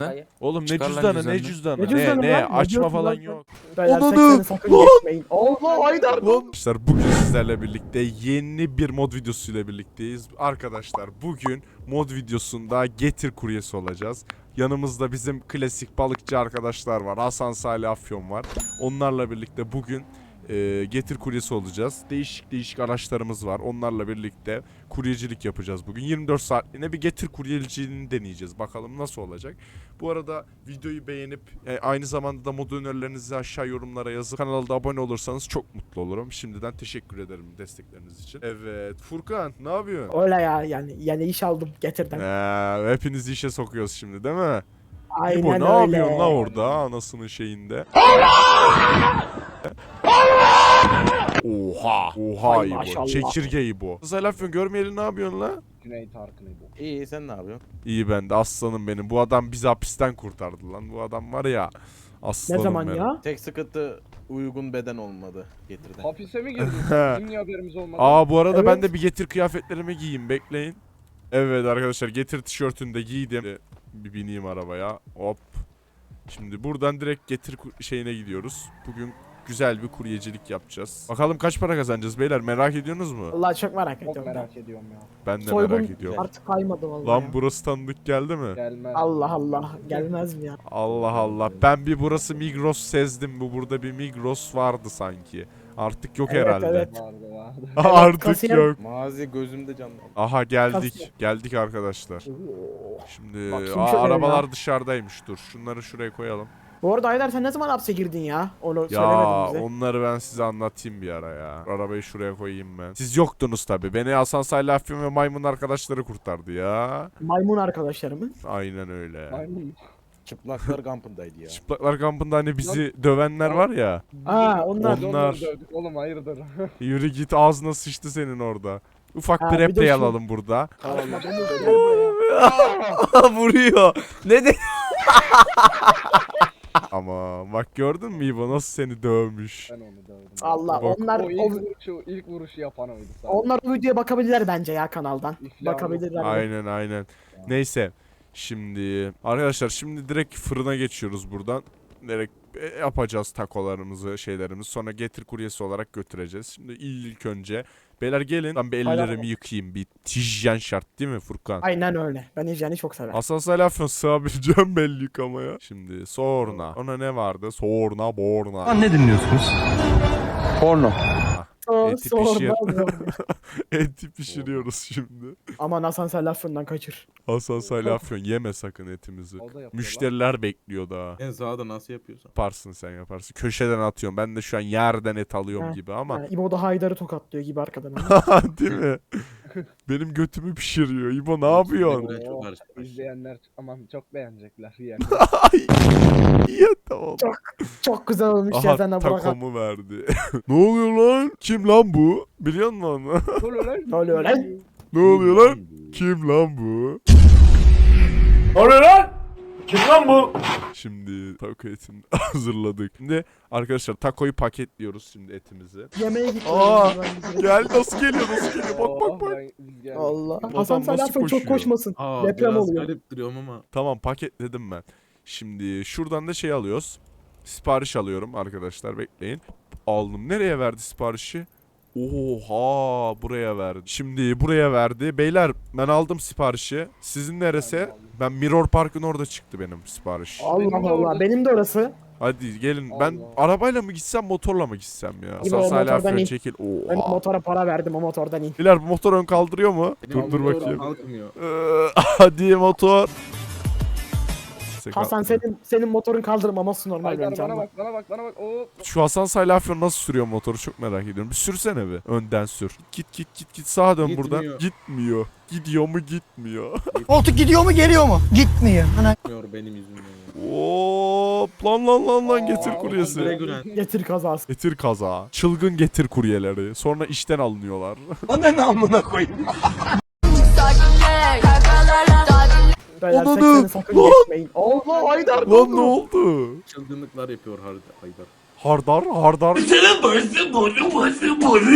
Hayır. Oğlum ne Çıkar lan cüzdanı ne cüzdanını. cüzdanı Ne cüzdanı ne lan? Ne açma diyorsun falan lan? yok. Beyler Ananı! 80'i sakın Lan! geçmeyin. Allah Haydar. Arkadaşlar bugün sizlerle birlikte yeni bir mod videosuyla birlikteyiz. Arkadaşlar bugün mod videosunda getir kuryesi olacağız. Yanımızda bizim klasik balıkçı arkadaşlar var. Hasan Salih Afyon var. Onlarla birlikte bugün getir kuryesi olacağız. Değişik araçlarımız var. Onlarla birlikte kuryecilik yapacağız bugün. 24 saatliğine bir getir kuryeciliğini deneyeceğiz. Bakalım nasıl olacak. Bu arada videoyu beğenip aynı zamanda da mod önerilerinizi aşağı yorumlara yazıp kanala da abone olursanız çok mutlu olurum. Şimdiden teşekkür ederim destekleriniz için. Evet Furkan ne yapıyorsun? Öyle ya yani iş aldım getirdim. Hepinizi işe sokuyoruz şimdi değil mi? Aynen İbo ne öyle. yapıyorsun la orada anasının şeyinde? Oha Ay İbo. maşallah. Çekirge İbo. Zalafyon görmeyeli ne yapıyorsun la? Cüneyt Arkın bu. İyi sen ne yapıyorsun? İyi ben de aslanım benim. Bu adam bizi hapisten kurtardı lan. Bu adam var ya. Aslanım Ne zaman benim. ya? Tek sıkıntı uygun beden olmadı getirden. Hapise mi girdin? Bizim niye haberimiz olmadı? Aa bu arada ben Evet. de bir getir kıyafetlerimi giyeyim bekleyin. Evet arkadaşlar getir tişörtünü de giydim. Bir bineyim arabaya. Hop. Şimdi buradan direkt getir şeyine gidiyoruz. Bugün güzel bir kuryecilik yapacağız. Bakalım kaç para kazanacağız beyler merak ediyorsunuz mu? Vallahi çok merak Çok ediyorum. merak ediyorum ya. Ben de Soygun merak ediyorum. artık kaymadı vallahi. Lan ya. burası tanıdık geldi mi? Gelmez. Allah Allah gelmez mi ya? Allah Allah. Ben bir burası Migros sezdim. Burada bir Migros vardı sanki. Artık yok Evet, herhalde. evet. Vardı. Artık kasiyer- yok. Mazi gözümde canlandı. Aha geldik. Kasiyer. Geldik arkadaşlar. Oo. Şimdi Bak, kim şöyle arabalar ya? dışarıdaymış. Dur şunları şuraya koyalım. Bu arada Haydar sen ne zaman hapse girdin ya? Onu Ya söylemedin bize. onları ben size anlatayım bir ara ya. Arabayı şuraya koyayım ben. Siz yoktunuz tabi. Beni Hasan Salih Afyon ve maymun arkadaşları kurtardı ya. Maymun arkadaşlarımı. Aynen öyle. Maymun. Çıplaklar kampındaydı ya. Çıplaklar kampında hani bizi dövenler var ya. Aa onlar. Biz Onlar- onları dövdük oğlum hayırdır. Yürü git ağzına sıçtı senin orada. Ufak Ha, bir bir de replay şu- alalım burada. Karışma, domuz, gel buraya. Vuruyor. Ne de? Ama bak gördün mü İbo nasıl seni dövmüş. Ben onu dövdüm. Allah Bak. onlar O ilk vuruşu yapan oydu sadece. onlar o videoya bakabilirler bence ya kanaldan. İflah Bakabilirler. Aynen. Neyse. Şimdi arkadaşlar şimdi direkt fırına geçiyoruz buradan. Direkt yapacağız takolarımızı şeylerimizi sonra getir kuryesi olarak götüreceğiz. Şimdi ilk önce beyler gelin ben bir ellerimi yıkayayım bir hijyen şart değil mi Furkan? Aynen öyle. Ben hijyeni çok severim. Hasan Salih Afyon sığabileceğim belli yıkamaya. Şimdi sonra ona ne vardı? Sorna borna. Ne dinliyorsunuz? Porno. eti pişir. Sorma. Eti pişiriyoruz şimdi. Aman Hasan sen lafından kaçır. Hasan Salih Afyon yeme sakın etimizi. O da yapıyor Müşteriler bekliyor daha. En sağda nasıl yapıyorsun? Yaparsın sen yaparsın. Köşeden atıyorum. Ben de şu an yerden et alıyorum Ha. gibi ama. Yani İbo da Haydar'ı tokatlıyor gibi arkadan. Değil mi? Benim götümü pişiriyor. İbo ne yapıyorsun? Ben çok Oo, karıştım. İzleyenler aman çok beğenecekler yani. Ay. İyi tamam. Çok güzel olmuş ya Aha sen de bırak. takomu verdi. Ne oluyor lan? Kim lan bu? Biliyor musun onu? Ne oluyor lan? Ne oluyor lan? Ne oluyor lan? Kim lan bu? Şimdi taco etini hazırladık. Şimdi arkadaşlar takoyu paketliyoruz şimdi etimizi. Yemeğe gitti. Aa, Gel nasıl geliyor Bak bak bak. Biz geldik. Allah. Adam Hasan sen nasıl lafın çok koşuyor? koşmasın. Aa, Deprem biraz oluyor. garip duruyorum ama. Tamam paketledim ben. Şimdi şuradan da şey alıyoruz. Sipariş alıyorum arkadaşlar bekleyin. Aldım. Nereye verdi siparişi? Oha buraya verdi. Şimdi buraya verdi. Beyler ben aldım siparişi. Sizin neresi? Ben Mirror Park'ın orada çıktı benim sipariş. Allah Benim de Allah. orada- Benim de orası. Hadi gelin. Ben Allah. arabayla mı gitsem motorla mı gitsem ya? İbo, Hasan Salih motordan Afyon in. çekil. Ben Oha. motora para verdim o motordan in. Beyler bu motor ön kaldırıyor mu? Benim Dur motorum bakayım. kalkmıyor. Hadi motor. Hasan senin motorun kaldırmaması normal Haydar bence bana ama. bak bana bak. Oo. Şu Hasan Salih Afyon nasıl sürüyor motoru çok merak ediyorum. Bir sürsene bir. Önden sür. Git sağa dön buradan. Gitmiyor. Gitmiyor. Gidiyor mu gitmiyor. Koltuk gidiyor mu geliyor mu? Gitmiyor. Ana. Gitmiyor benim yüzümden. Hop lan getir kuryesi. Regular. Getir kazası. Getir kaza. Çılgın getir kuryeleri. Sonra işten alınıyorlar. Bana amına koyayım. Beyler Ananı! 80'i sakın Lan! geçmeyin. Allah Haydar. Lan ne oldu? Çılgınlıklar yapıyor Haydar. Hardar.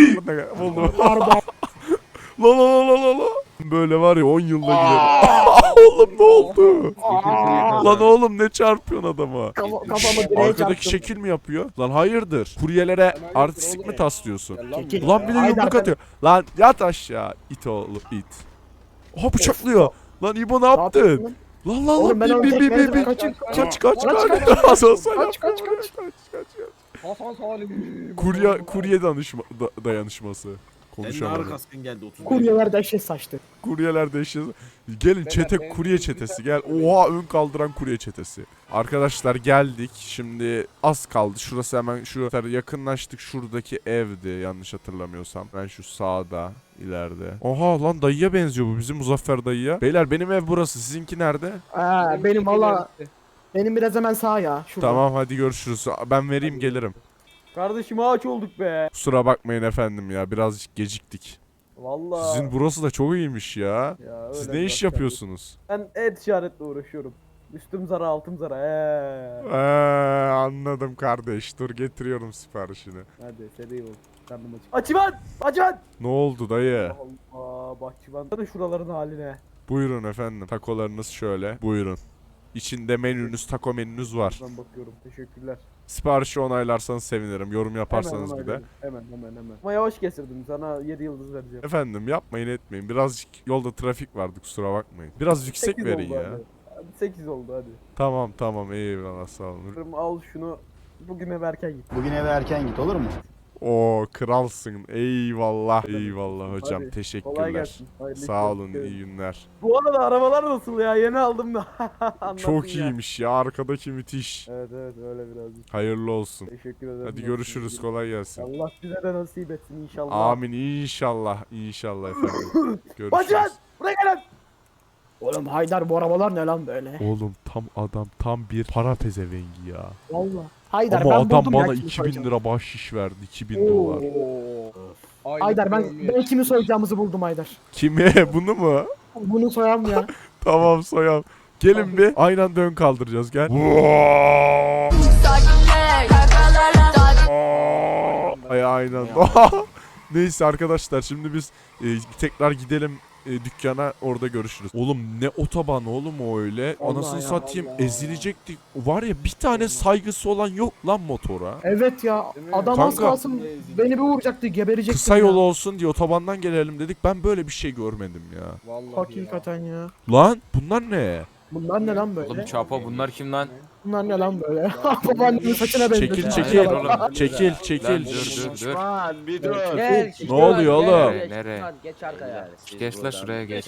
Oğlum. Pardon. La. Böyle var ya 10 yılda gider. Oğlum ne oldu? Aa, Lan oğlum ne çarpıyorsun adama? kafamı direğe Arkadaki çarptım. şekil mi yapıyor? Lan hayırdır? Kuryelere hayırdır artistik oğlum? mi taslıyorsun? Gel lan Çekil. buraya. Lan bir de Haydar, yumruk ben- atıyor. Lan yat aşağı. İt oğlum it. Oha bıçaklıyor. Lan İbo ne yaptın? yapıyorsun? Lan lan Oğlum lan ben onu bin tek bin bin bezdim. bin. Kaçın. Kaç Kaç, kaç kaç, kaç. kaç, Hasan Salim. kaç, kaç, kaç. Hasan Salim. Kurye dayanışması. Senin Konuşamadım. ağrı kaskın geldi 30. Kuryeler dehşet saçtı. Kuryeler değişiyor. Gelin çete benim kurye çetesi gel. Oha ön kaldıran kurye çetesi. Arkadaşlar geldik. Şimdi az kaldı. Şurası hemen şuraya yakınlaştık. Şuradaki evdi yanlış hatırlamıyorsam. Ben şu sağda ileride. Oha lan dayıya benziyor bu bizim Muzaffer dayıya. Beyler benim ev burası. Sizinki nerede? Benim valla benim biraz hemen sağ ya. Şurada. Tamam hadi görüşürüz. Ben vereyim gelirim. Kardeşim ağaç olduk be. Kusura bakmayın efendim ya. Birazcık geciktik. Vallahi. Sizin burası da çok iyiymiş ya. Ya Siz öyle ne iş biraz yapıyorsunuz? Ben e-ticaretle uğraşıyorum. Üstüm zara altım zara. Anladım kardeş. Dur getiriyorum siparişini. Hadi seri ol. Karnım acık. Açıvan! Açıvan! Ne oldu dayı? Allah bahçıvan. Hadi şuraların haline. Buyurun efendim. Takolarınız şöyle. Buyurun. İçinde menünüz, taco menünüz var. Ben bakıyorum. Teşekkürler. Siparişi onaylarsanız sevinirim. Yorum yaparsanız Hemen bir de. onayladım. Hemen. Ama yavaş kesirdim. Sana 7 yıldız vereceğim. Efendim yapmayın etmeyin. Birazcık yolda trafik vardı kusura bakmayın. Biraz yüksek 8 verin oldu ya. hadi. Hadi 8 oldu hadi. Tamam eyvallah sağ olun. Al şunu. Bugün eve erken git. Bugün eve erken git olur mu? Oo kralsın. Eyvallah hocam. Hadi, Teşekkürler. Kolay gelsin. Hayırlı Sağ işler. olun iyi günler. Bu arada arabalar nasıl ya? Yeni aldım da. Anlatın Çok ya. iyiymiş ya arkadaki müthiş. Evet öyle birazcık. Hayırlı olsun. Teşekkür ederim. Hadi görüşürüz kolay gelsin. Allah size de nasip etsin inşallah. Amin inşallah efendim. Görüşürüz. Bacak! Buraya gelin! Oğlum Haydar bu arabalar ne lan böyle? Oğlum tam bir para pezevengi ya. Valla. Haydar Ama ben adam buldum bana ya kimi 2000 soyacağım. lira bahşiş verdi. 2000 dolar. Haydar ben kimi soyacağımızı buldum Haydar. Kimi? Bunu mu? Bunu soyam ya. Tamam soyam. Gelin bir aynı anda ön kaldıracağız gel. Ay aynen. Neyse arkadaşlar şimdi biz tekrar gidelim dükkana orada görüşürüz. Oğlum ne otoban oğlum o öyle. Allah Anasını ya, satayım Allah. ezilecektik. Var ya bir tane saygısı olan yok lan motora. Evet ya Değil mi? adam az Kanka. kalsın beni bir vuracaktı geberecektim Kısa ya. yol olsun diye otobandan gelelim dedik. Ben böyle bir şey görmedim ya. Vallahi Hakikaten ya. Lan bunlar ne? Bunlar ne lan böyle? Oğlum Çapa bunlar kim lan? Bunlar ne lan böyle? Babaannemin saçına benziyor. Çekil Ya, çekil. hayır oğlum. Çekil Lan çekil. dur. Bir dur. Gel. Ne oluyor oğlum? Nereye? Geç arkaya. Geç la şuraya geç.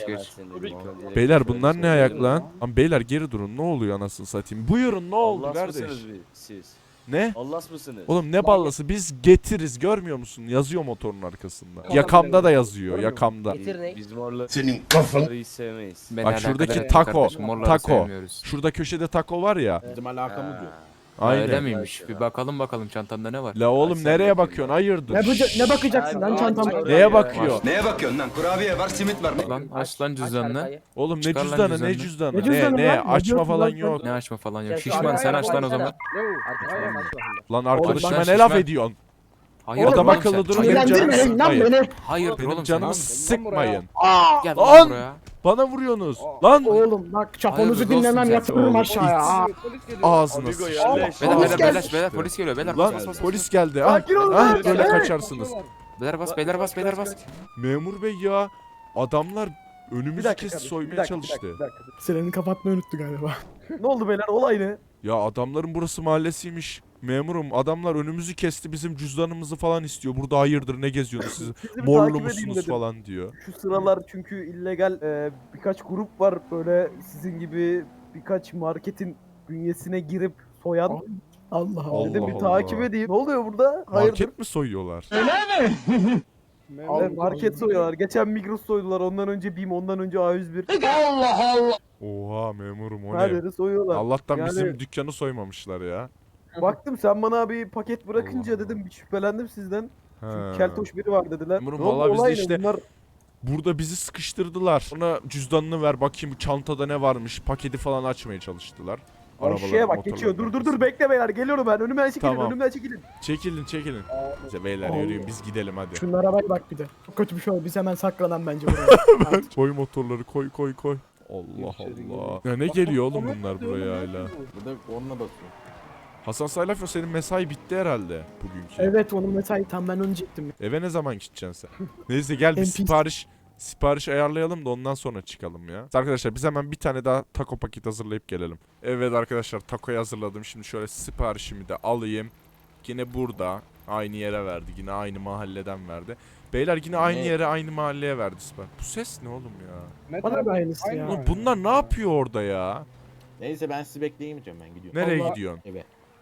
Beyler bunlar ne ayak lan? Lan beyler geri durun ne oluyor anasını satayım. Buyurun ne oldu kardeş? Siz? Ne? Allahs mısınız? Oğlum ne ballası biz getiriz görmüyor musun? Yazıyor motorun arkasında. Yakamda da yazıyor yakamda. Getir ne? Biz morları Senin kafanı hiç sevmeyiz. Beni Bak alakadar şuradaki etmiyor taco, kardeşim, morları taco. sevmiyoruz. Şurada köşede taco var ya. Bizim alakamız yok. Öyle Aynen. miymiş? Bir bakalım çantanda ne var? La oğlum Ay, sen nereye bakayım bakıyorsun? ya. Hayırdır? Ne bakacaksın lan çantama? Neye bakıyor? Neye bakıyorsun lan? Kurabiye var, simit var. Lan aç lan cüzdanını. Oğlum ne Çıkar lan cüzdanı ne cüzdanını. cüzdanı? Ne cüzdanı Ne lan? Ne açma diyorsun falan lan sen? yok. Ne açma falan yok. Gel, Şişman arkaya sen aç lan o bak, zaman. Arkaya bak. Lan arkadaşıma Oğlum, ne ben laf şişman. ediyorsun? Hayır Adam oğlum akıllı sen. durun, benim canımı Sinirlendirmeyin lan sıkmayın. beni. Hayır Benim oğlum canımı sen. sıkmayın. Gel Lan! lan buraya. Bana vuruyorsunuz. Lan Oğlum bak çaponuzu Hayırdır dinlemem olsun yatırırım oğlum. aşağıya. Aa. ağzına Amigo sıçtım. yerleş. Beyler polis geliyor beyler. Lan Bas bas bas. polis geldi. Ah, Sakin olun ah, lan. böyle Evet. kaçarsınız. Beyler bas. Memur bey ya adamlar Bir önümüzü dakika kesti kardeşim, soymaya bir dakika, çalıştı. bir dakika. Sireni kapatmayı unuttu galiba. Ne oldu beyler olay ne? Ya adamların burası mahallesiymiş. Memurum adamlar önümüzü kesti bizim cüzdanımızı falan istiyor. Burada hayırdır ne geziyorsunuz siz Sizi bir morlu takip edeyim musunuz dedim. falan diyor. Şu sıralar çünkü illegal birkaç grup var böyle sizin gibi birkaç marketin bünyesine girip soyan. Allah Allah. Allah Dedim bir Allah. takip edeyim. Ne oluyor burada? Hayırdır? Market mi soyuyorlar? Evet, market soyuyorlar. Geçen Migros soydular. Ondan önce BİM, ondan önce A101. Oha memurum o Her ne? yeri soyuyorlar. Allah'tan Yani- bizim dükkanı soymamışlar ya. Baktım sen bana bir paket bırakınca Allah dedim bir şüphelendim sizden. He. Çünkü keltoş biri var dediler. Memurum, Ne oldu, vallahi biz de olay ne? işte- Bunlar Burada bizi sıkıştırdılar. Sonra cüzdanını ver bakayım çantada ne varmış. Paketi falan açmaya çalıştılar. şeye bak geçiyor. Dur bekle beyler geliyorum ben. Önümden çekilin Tamam. önümden çekilin. Çekilin. İşte beyler Allah. yürüyün biz gidelim hadi. Şunlara bak bir de. Çok kötü bir şey oldu. Biz hemen saklanan bence buraya. Koy motorları koy. Allah İçeri Allah. giriyor. Ya ne Bak, geliyor bak, oğlum bak, bunlar bak, buraya diyorum, hala? ne bu? Bu da korna basıyor. Hasan Salafio senin mesai bitti herhalde bugünkü. Evet onun mesai tam ben onu diyecektim. Eve ne zaman gideceksin sen? Neyse gel bir NPC. sipariş ayarlayalım da ondan sonra çıkalım ya. Arkadaşlar biz hemen bir tane daha taco paket hazırlayıp gelelim. Evet arkadaşlar takoyu hazırladım. Şimdi şöyle siparişimi de alayım. Yine burada aynı yere verdi. Yine aynı mahalleden verdi. Beyler yine aynı Ne? yere aynı mahalleye verdi sipariş. Bu ses ne oğlum ya? Ne Bana taraf- da aynısı Aynı ya. Oğlum bunlar ne yapıyor orada ya? Neyse ben sizi bekleyemeyeceğim, ben gidiyorum. Nereye Allah- gidiyorsun? Eve.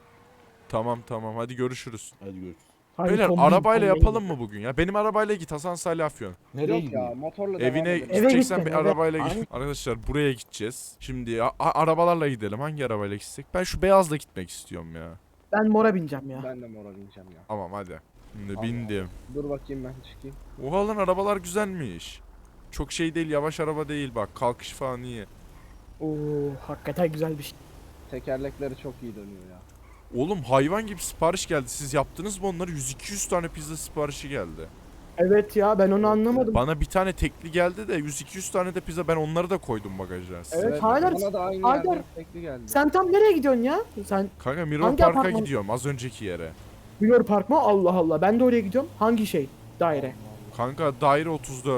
Tamam hadi görüşürüz. Hadi görüşürüz. Hayır, Beyler kombin, arabayla kombin. yapalım mı bugün ya? Benim arabayla git Hasan Salih Afyon. Nereye Yok ya gidiyorsun? motorla Evine devam edelim. gideceksen git bir sen, eve. arabayla git. Aynen. Arkadaşlar buraya gideceğiz. Şimdi arabalarla gidelim. Hangi arabayla gitsek? Ben şu beyazla gitmek istiyorum ya. Ben mora bineceğim ya. Ben de mora bineceğim ya. Tamam hadi. Şimdi Allah. bindim. Dur bakayım ben çıkayım. Oha lan arabalar güzelmiş. Çok şey değil, yavaş araba değil bak. Kalkış falan iyi. Oo hakikaten güzel bir şey. Tekerlekleri çok iyi dönüyor ya. Oğlum hayvan gibi sipariş geldi. Siz yaptınız mı onları? 100-200 tane pizza siparişi geldi. Evet ya ben onu anlamadım. Bana bir tane tekli geldi de 100-200 tane de pizza, ben onları da koydum bagaja. Evet, Haydar, Bana da aynı Haydar. yerden tekli geldi. Sen tam nereye gidiyorsun ya? Sen Kanka Mirror Hangi Park'a apartman? gidiyorum az önceki yere. Bilor Park mı? Allah Allah. Ben de oraya gidiyorum. Hangi şey? Daire. Kanka daire 34.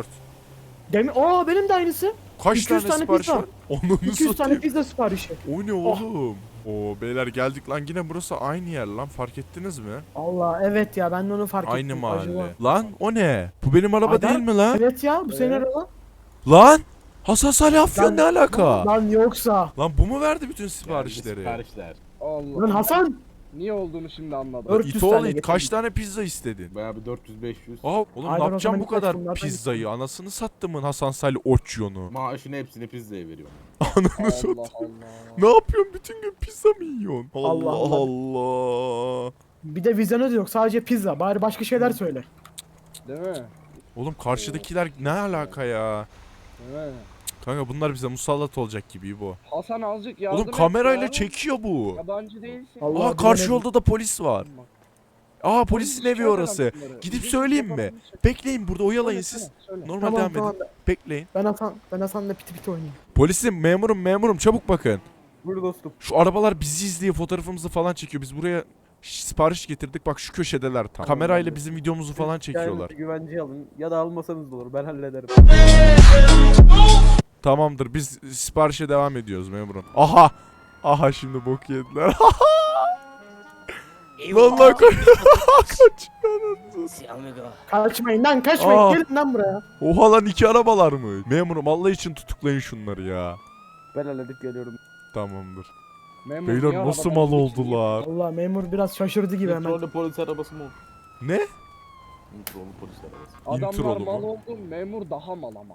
Benim de aynısı. Kaç 200 tane tane sipariş pizza. var? Onu 200 tane satayım. pizza siparişi. O ne oğlum? Oo beyler geldik lan, yine burası aynı yer lan, fark ettiniz mi? Allah evet ya ben de onu fark Aynı ettim. mahalle. Acaba- Lan o ne? Bu benim araba Haydar? değil mi lan? Evet ya bu senin Evet. araba. Lan! Hasan Salih Afyon Lan- ne alaka? Lan yoksa. Lan bu mu verdi bütün Geldi siparişleri? siparişler. Allah. Lan Hasan. Niye olduğunu şimdi anladım. 400 İt tane oğlu it, getirdim. kaç tane pizza istedin? Bayağı bir 400-500. Aa oğlum Haydar, ne o yapacağım zaman bu birkaç kadar bunlardan pizzayı? Anasını sattımın Hasan Salih Oçyon'u. Maaşın hepsini pizzaya veriyorum. Ananı satayım. Allah Allah. Ne yapıyorsun, bütün gün pizza mı yiyorsun? Allah Allah Allah. Bir de vizyonu da yok sadece pizza. Bari başka şeyler söyle. Değil mi? Oğlum karşıdakiler ne alaka ya? Değil mi? Kanka bunlar bize musallat olacak gibi bu. Hasan azıcık yardım Oğlum et kamerayla ya. çekiyor bu. Yabancı değilsin. Allah Aa karşı bilemedim. yolda da polis var. Aa polisin evi Şikayet orası. eden bunları. Gidip Bizim söyleyeyim mi? yapabildiğimiz şey- Bekleyin burada, oyalayın Söyle, siz. söyle. Normal Tamam devam tamam. edin. Bekleyin. Ben Hasan'la piti piti oynayayım. Polisim, memurum çabuk bakın. Buyur dostum. Şu arabalar bizi izliyor, fotoğrafımızı falan çekiyor. Biz buraya sipariş getirdik, bak şu köşedeler tam. Kamerayla bizim videomuzu falan çekiyorlar. Kendinizi güvenceye alın ya da almasanız da olur ben hallederim. Tamamdır, biz siparişe devam ediyoruz memurum. Aha! Aha şimdi bok yediler. Vallahi kaç. Kaçmayın lan kaçmayın. Aa. Gelin lan buraya. Oha lan, iki arabalar mı? Memurum Allah için tutuklayın şunları ya. Ben halledip geliyorum. Tamamdır. Memur Beyler niye nasıl arabadan mal geçiyor? oldular? Allah memur biraz şaşırdı gibi hemen. Kontrollü polis arabası mı oldu? Ne? Kontrollü polis arabası. Adamlar Introlu mal mu? oldu, memur daha mal ama.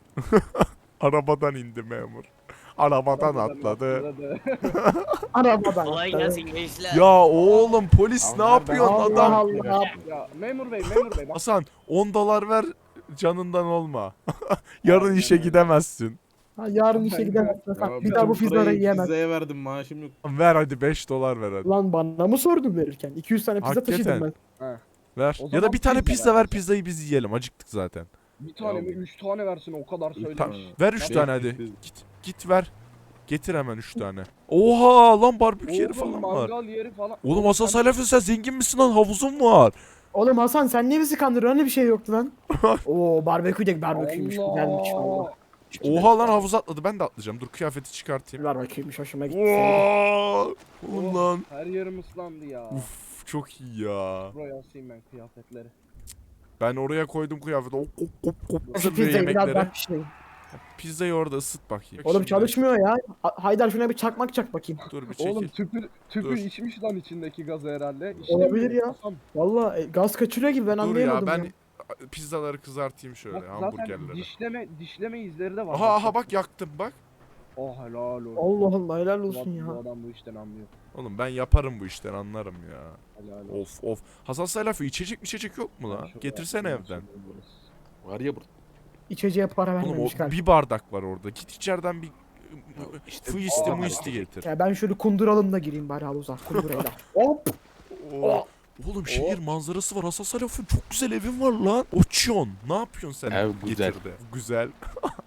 Arabadan indi memur. Arabadan atladı. Arabadan. Kolay gelsin gençler. Ya oğlum polis ne Allah yapıyorsun Allah adam? Allah. Ya memur bey bak. Hasan 10 dolar ver, canından olma. Yarın işe gidemezsin. Ha, yarın işe gidemezsin. Hasan. Ya Bir daha bu bütün pizzaları parayı yiyemez. Pizzaya verdim, maaşım yok. Ver hadi 5 dolar ver hadi. Lan bana mı sordun verirken? 200 tane pizza Hakikaten. taşıdım ben. Ver. O Ya zaman da bir tane pizza pizza ver. ver, pizzayı biz yiyelim. Acıktık zaten. Bir tane mi? 3 tane versin o kadar Üç söylemiş. tane. Ver 3 Beş tane hadi. pizza. Git ver. Getir hemen 3 tane. Oha lan barbekü yeri Oğlum falan var. mangal yeri falan. Oğlum Hasan Salih sen zengin misin lan? Havuzun var. Oğlum Hasan sen niye bizi kandırıyorsun? Hani bir şey yoktu lan. Oo barbekü de barbeküymüş. Güzelmiş valla. Oha lan havuz atladı. Ben de atlayacağım. Dur kıyafeti çıkartayım. Barbeküymüş hoşuma gitti. Oha! Oğlum lan. Her yerim ıslandı ya. Uf çok iyi ya. Buraya asayım ben kıyafetleri. Ben oraya koydum kıyafeti. Hop. Şu Hazırlıyor pizzayı biraz yemekleri. daha pişireyim. Pizzayı orada ısıt bakayım. Oğlum Şimdi- çalışmıyor ya. Haydar şuna bir çakmak çak bakayım. Dur bir çekil. Oğlum tüpü Dur. içmiş lan içindeki gazı herhalde. Olabilir ya. Hasan, Valla gaz kaçırıyor gibi ben Dur ya anlayamadım ya. ben pizzaları kızartayım şöyle, bak zaten hamburgerleri. dişleme izleri de var. Aha bak yaktım bak. Oh helal olsun. Allah Allah helal olsun Bu ya. adam bu işten anlıyor. Oğlum ben yaparım bu işten, anlarım ya. Helal olsun. Of. Hasan Salafı içecek yok mu lan? Ben şu Getirsene yaptığım evden. şey burası. Var ya burada. İçeceğe para Oğlum o vermemiş galiba. bir bardak var orada. Git içeriden bir İşte fuisti o muisti getir. Ya ben şöyle kunduralım da gireyim bari havuza. Kundurayla. Hop. Oo. Oğlum şehir manzarası var. Hasan Salafı çok güzel evin var lan. Uçuyorsun. Ne yapıyorsun sen? Ev güzel. Getirdi. Güzel. Biz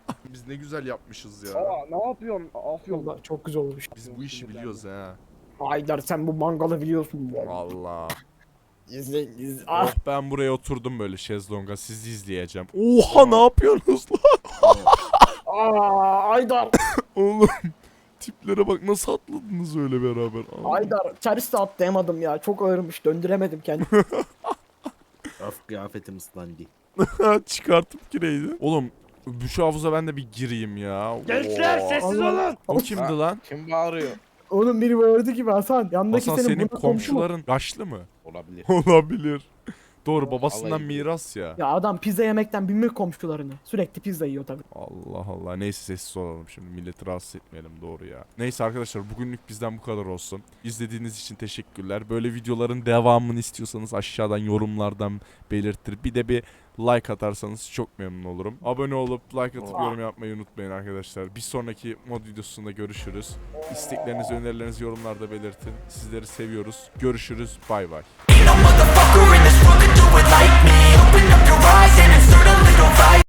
biz ne güzel yapmışız ya. Aa ne yapıyorsun? Afyon. Vallahi çok güzel olmuş. Biz bu işi biliyoruz ha. Haydar sen bu mangalı biliyorsun. Allah. İzle. Oh, ben buraya oturdum böyle şezlonga sizi izleyeceğim. Oha ne yapıyorsunuz lan? Haydar. Oğlum tiplere bak nasıl atladınız öyle beraber. Aa. Haydar. Çariste atlayamadım ya. Çok ağırmış. Döndüremedim kendimi. Of kıyafetim ıslandı. Çıkartıp gireydi. Oğlum şu havuza ben de bir gireyim ya. Gençler, Oo. sessiz olun. O kimdi lan? Kim bağırıyor? Oğlum biri bağırdı gibi Hasan. Yanındaki Hasan senin senin buna komşu mu? komşuların yaşlı mı? Olabilir. Olabilir. Doğru babasından Alayım. miras ya. Ya adam pizza yemekten bilmiyor komşularını. Sürekli pizza yiyor tabii. Allah Allah. Neyse sessiz olalım şimdi. Milleti rahatsız etmeyelim doğru ya. Neyse arkadaşlar bugünlük bizden bu kadar olsun. İzlediğiniz için teşekkürler. Böyle videoların devamını istiyorsanız aşağıdan yorumlardan belirtir. Bir de bir like atarsanız çok memnun olurum. Abone olup like atıp yorum yapmayı unutmayın arkadaşlar. Bir sonraki mod videosunda görüşürüz. İsteklerinizi, önerilerinizi yorumlarda belirtin. Sizleri seviyoruz. Görüşürüz. Bay bay. Ain't no motherfucker in this world could do it like me.